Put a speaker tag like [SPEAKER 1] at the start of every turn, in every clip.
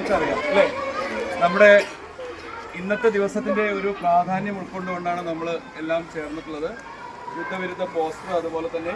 [SPEAKER 1] എല്ലാവർക്കും അറിയാം അല്ലേ? നമ്മുടെ ഇന്നത്തെ ദിവസത്തിൻ്റെ ഒരു പ്രാധാന്യം ഉൾക്കൊണ്ടുകൊണ്ടാണ് നമ്മൾ എല്ലാം ചേർന്നിട്ടുള്ളത്. യുദ്ധവിരുദ്ധ പോസ്റ്റർ, അതുപോലെ തന്നെ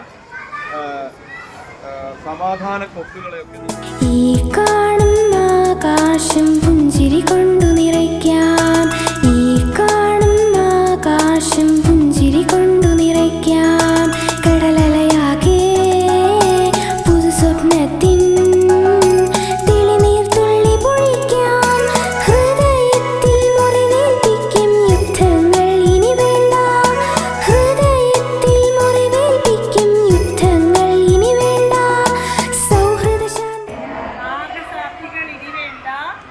[SPEAKER 1] സമാധാന കൊക്കുകളെയൊക്കെ
[SPEAKER 2] ഈ കാണുന്ന ആകാശം പുഞ്ചിരി കൊണ്ടു നിറയ്ക്കാം, ഈ കാണുന്ന ആകാശം പുഞ്ചിരി കൊണ്ടു നിറയ്ക്കാം. കടലലയാകെ പുതു സ്വപ്നത്തിൻ തെളിനീർ തുള്ളി പൊഴിക്കാം. ഹൃദയത്തിൽ മുറിവേൽപ്പിക്കും യുദ്ധങ്ങൾ ഇനി വേണ്ട, ഹൃദയത്തിൽ മുറിവേൽപ്പിക്കും യുദ്ധങ്ങൾ ഇനി വേണ്ട. സൗഹൃദ ശാന്തി
[SPEAKER 3] നാഗസാക്ഷികൾ ഇനി വേണ്ട,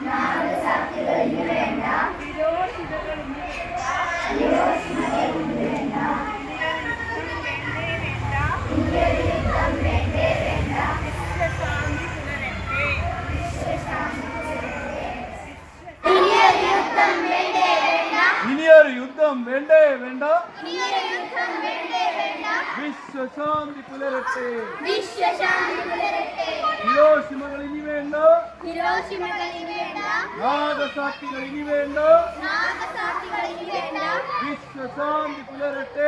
[SPEAKER 3] വിരോധിതകൾ ഇനി വേണ്ട, വിശ്വശാന്തി പുലരട്ടെ.
[SPEAKER 1] ഇനിയൊരു യുദ്ധം വേണ്ടേ വേണ്ട, വിശ്വശാന്തി പുലരട്ടെ. ഹിരോഷിമകൾ ഇനി വേണ്ട, നാഗസാക്ഷികൾ ഇനി വേണ്ട, വിശ്വശാന്തി പുലരട്ടെ,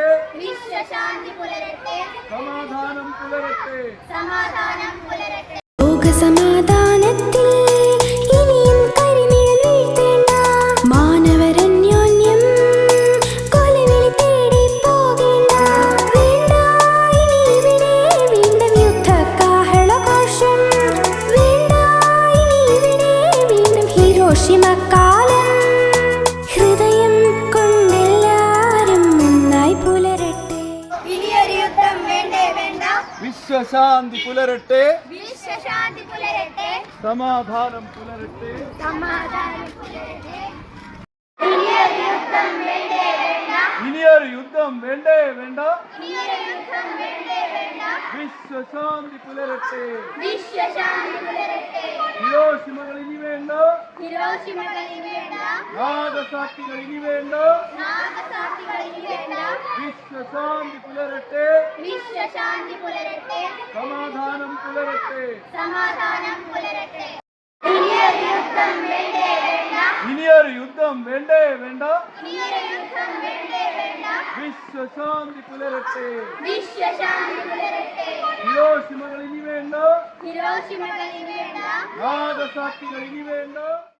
[SPEAKER 1] സമാധാനം പുലരട്ടെ.
[SPEAKER 2] ലോകസമാധാനത്തിൽ ഇനിയും കരിനിഴൽ വീഴ്ത്തേണ്ട, മാനവരന്യോന്യം കൊലവിളി തേടി പോകേണ്ട. വേണ്ട ഇനി ഇവിടെ വീണ്ടും യുദ്ധകാഹളഘോഷം, വേണ്ട ഇനി ഇവിടെ വീണ്ടും ഹിരോഷിമക്കാലം. ഹൃദയം കൊണ്ടെല്ലാരും ഒന്നായി പുലരട്ടെ.
[SPEAKER 4] ഇനിയൊരു യുദ്ധം വേണ്ടേ വേണ്ട,
[SPEAKER 1] വിശ്വശാന്തി പുലരട്ടെ,
[SPEAKER 4] വിശ്വശാന്തി പുലരട്ടെ,
[SPEAKER 1] സമാധാനം പുലരട്ടെ.
[SPEAKER 4] സമാധാനം പുലരട്ടെ. ഇനിയൊരു യുദ്ധം വേണ്ടേ വേണ്ട,
[SPEAKER 1] ഇനിയൊരു യുദ്ധം വേണ്ടേ വേണ്ട,
[SPEAKER 4] ഇനിയൊരു യുദ്ധം വേണ്ടേ വേണ്ട,
[SPEAKER 1] വിശ്വശാന്തി പുലരട്ടെ.
[SPEAKER 4] വിശ്വശാന്തി പുലരട്ടെ.
[SPEAKER 1] ഹിരോഷിമകൾ ഇനി വേണ്ട,
[SPEAKER 4] ഹിരോഷിമകൾ ഇനി വേണ്ട,
[SPEAKER 1] നാഗസാക്ഷികൾ ഇനി വേണ്ട,
[SPEAKER 4] നാഗസാക്ഷികൾ ഇനി വേണ്ട,
[SPEAKER 1] വിശ്വശാന്തി പുലരട്ടെ,
[SPEAKER 4] വിശ്വശാന്തി പുലരട്ടെ,
[SPEAKER 1] സമാധാനം പുലരട്ടെ.
[SPEAKER 4] സമാധാനം പുലരട്ടെ. ഇനിയൊരു യുദ്ധം വേണ്ടേ വേണ്ട,
[SPEAKER 1] ഇനിയൊരു യുദ്ധം വേണ്ടേ വേണ്ട,
[SPEAKER 4] ഇനിയൊരു യുദ്ധം വേണ്ടേ വേണ്ട,
[SPEAKER 1] വിശ്വശാന്തി പുലരട്ടെ.
[SPEAKER 4] വിശ്വശാന്തി പുലരട്ടെ.
[SPEAKER 1] ഹിരോഷിമകൾ ഇനി വേണ്ട,
[SPEAKER 4] ഹിരോഷിമകൾ ഇനി വേണ്ട,
[SPEAKER 1] നാഗസാക്ഷികൾ ഇനി വേണ്ട.